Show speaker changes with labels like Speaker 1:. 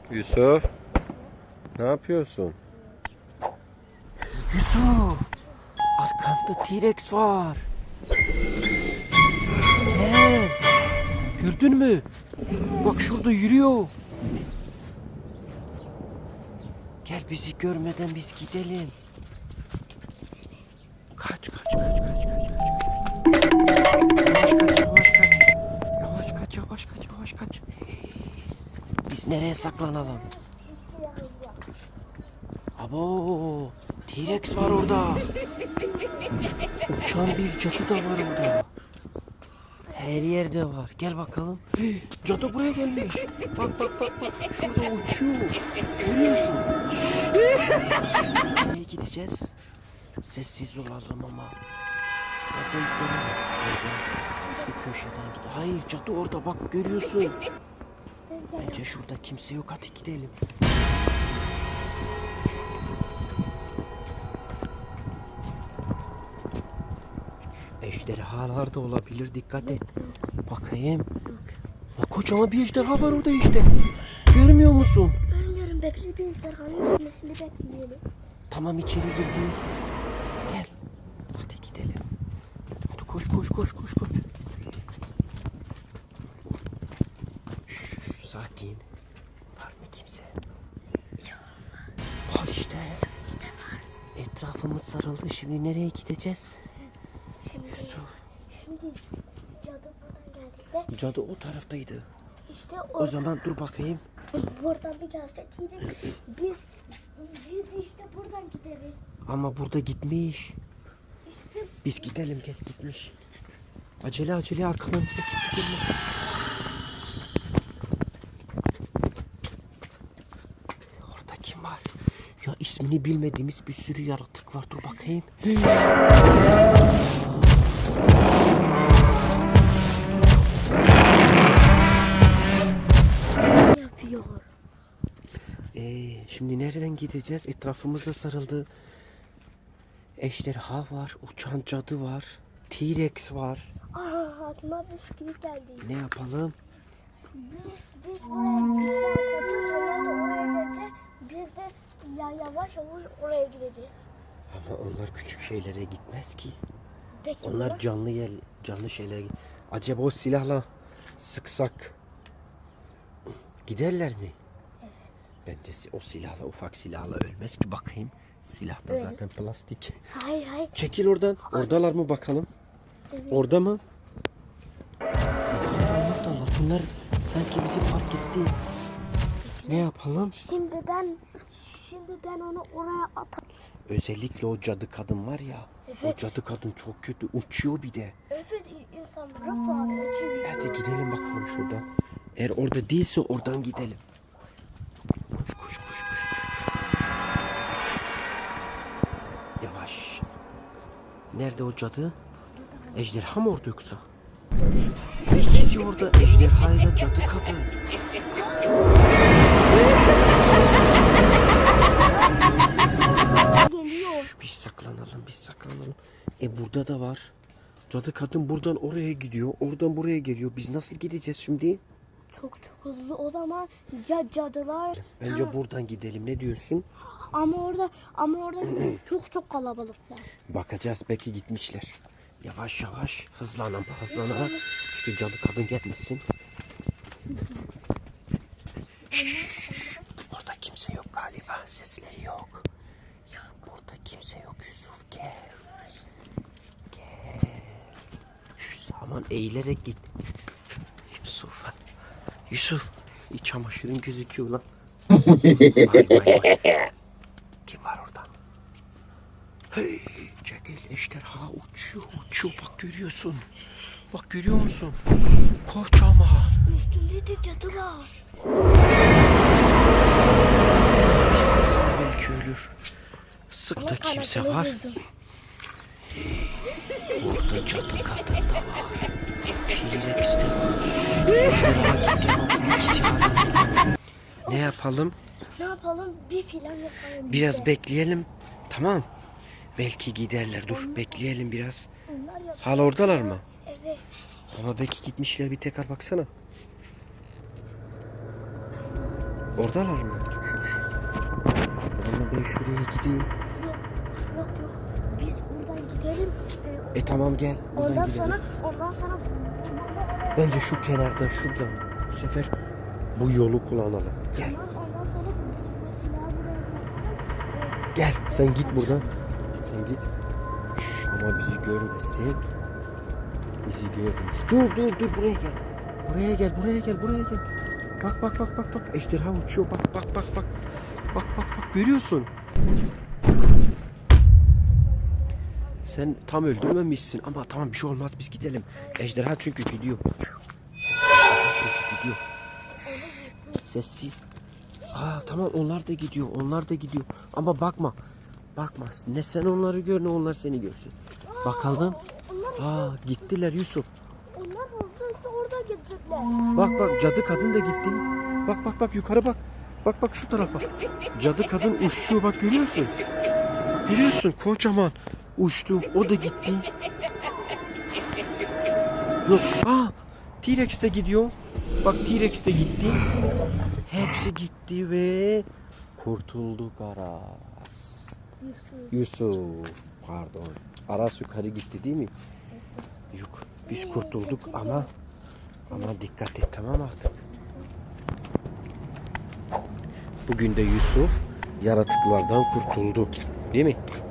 Speaker 1: Yusuf, ne yapıyorsun?
Speaker 2: Yusuf, arkanda T-Rex var. Gel. Gördün mü? Bak şurada yürüyor. Gel, bizi görmeden biz gidelim. Kaç. Yavaş kaç. Biz nereye saklanalım? Abo, T-Rex var orada. Uçan bir cadı da var orada. Her yerde var. Gel bakalım. Cadı buraya gelmiş. Bak. Şurada uçuyor. Görüyorsun. Nereye gideceğiz? Sessiz olalım ama. Nereden gidelim? Bence şu köşeden gidelim. Hayır, cadı orada, bak görüyorsun. Bence şurada kimse yok. Hadi gidelim. Ejderhalar da olabilir. Dikkat et. Bakayım. Kocaman bir ejderha var orada işte. Görmüyor musun?
Speaker 3: Görmüyorum. Bekle, bir ejderhanın gelmesini bekleyelim.
Speaker 2: Tamam, içeri girdiğiniz. Gel. Hadi gidelim. Hadi koş. Şşş, sakin. Var mı kimse? Var işte.
Speaker 3: var.
Speaker 2: Etrafımız sarıldı. Şimdi nereye gideceğiz?
Speaker 3: Şimdi cadı buradan geldiğinde
Speaker 2: Cadı o taraftaydı.
Speaker 3: işte
Speaker 2: O zaman dur bakayım.
Speaker 3: buradan bir gelse biz işte buradan gideriz.
Speaker 2: Ama burada gitmiş.
Speaker 3: İşte
Speaker 2: Biz gidelim, gel, gitmiş. Acele arkadan bize kimse gelmesin. Orada kim var? Ya ismini bilmediğimiz bir sürü yaratık var. Dur bakayım.
Speaker 3: ne yapıyor?
Speaker 2: Şimdi nereden gideceğiz? Etrafımızda sarıldı. Ejderha var, uçan cadı var, T-Rex var.
Speaker 3: Aklıma bir fikir geldi.
Speaker 2: Ne yapalım?
Speaker 3: Biz oraya gideceğiz. Biz de yavaş oraya gideceğiz.
Speaker 2: Ama onlar küçük şeylere gitmez ki.
Speaker 3: Peki
Speaker 2: Onlar canlı şeyler. Acaba o silahla sıksak giderler mi?
Speaker 3: Evet.
Speaker 2: Bence o silahla, ufak silahla ölmez ki. Bakayım. Silah da
Speaker 3: Evet.
Speaker 2: zaten plastik.
Speaker 3: Hayır.
Speaker 2: Çekil oradan. Oradalar mı bakalım?
Speaker 3: Evet.
Speaker 2: Orada mı? Oradalar. Bunlar sanki bizi fark etti. Ne yapalım?
Speaker 3: Şimdi ben onu oraya atarım.
Speaker 2: Özellikle o cadı kadın var ya.
Speaker 3: Evet.
Speaker 2: O cadı kadın çok kötü. Uçuyor bir de.
Speaker 3: Evet, insanları fareye çeviriyor.
Speaker 2: Hadi gidelim bakalım şuradan. Eğer orada değilse oradan gidelim. Koş. Yavaş. Nerede o cadı? Ejderha mı orada yoksa? İkisi orada, ejderha ile cadı kadın.
Speaker 3: Geliyor.
Speaker 2: Biz saklanalım. Burada da var. Cadı kadın buradan oraya gidiyor. Oradan buraya geliyor. Biz nasıl gideceğiz şimdi?
Speaker 3: Çok hızlı. O zaman cadılar.
Speaker 2: Bence buradan gidelim. Ne diyorsun?
Speaker 3: Ama orada çok kalabalıklar.
Speaker 2: Bakacağız, belki gitmişler. Yavaş hızlanalım. Çünkü cadı kadın gelmesin. Orada kimse yok galiba. Sesleri yok. Burada kimse yok. Yusuf gel. Aman eğilerek git. Yusuf. Çamaşırın gözüküyor lan. Vay. Kim var orada? Hey, çekil, ejderha uçuyor. Bak görüyorsun. Bak görüyor musun? Kocaman.
Speaker 3: Üstünde de cadı var.
Speaker 2: Bir sıksana belki ölür. Sık da kimse var. Orada cadı kadın da var. T-Rex de var. Ne yapalım?
Speaker 3: Bir plan yapalım.
Speaker 2: Biraz bekleyelim. Tamam. Belki giderler. Dur bekleyelim biraz. Hala oradalar mı?
Speaker 3: Evet.
Speaker 2: Ama belki gitmişler, bir tekrar baksana. Oradalar mı? O zaman ben şuraya gideyim.
Speaker 3: Yok yok. Biz buradan gidelim.
Speaker 2: Tamam gel. Buradan
Speaker 3: Ondan
Speaker 2: gidelim.
Speaker 3: sonra
Speaker 2: Bence şu kenardan şuradan. Bu sefer bu yolu kullanalım. Gel.
Speaker 3: tamam, ondan sonra bu silahı buraya bırakalım.
Speaker 2: Gel. Sen git buradan. Sen git. Ama bizi görmesin. Bizi görmesin. Dur buraya gel. Buraya gel. Bak. Ejderha uçuyor. Bak. Bak görüyorsun. Sen tam öldürmemişsin ama tamam bir şey olmaz biz gidelim. Ejderha çünkü gidiyor. Sessiz. Tamam onlar da gidiyor. Ama bakma. Ne sen onları gör ne onlar seni görsün. Bakalım. Gittiler Yusuf.
Speaker 3: Onlar orada işte oradan gidecekler.
Speaker 2: Bak cadı kadın da gitti. Bak yukarı bak. Bak şu tarafa. Cadı kadın uçuyor bak görüyorsun. Görüyorsun kocaman uçtu. O da gitti. Yok. T-Rex de gidiyor. Bak T-Rex de gitti. Hepsi gitti ve kurtulduk Aras. Yusuf. Pardon. Aras yukarı gitti değil mi? Yok. Biz kurtulduk ama dikkat et tamam artık. Bugün de Yusuf yaratıklardan kurtuldu. Değil mi?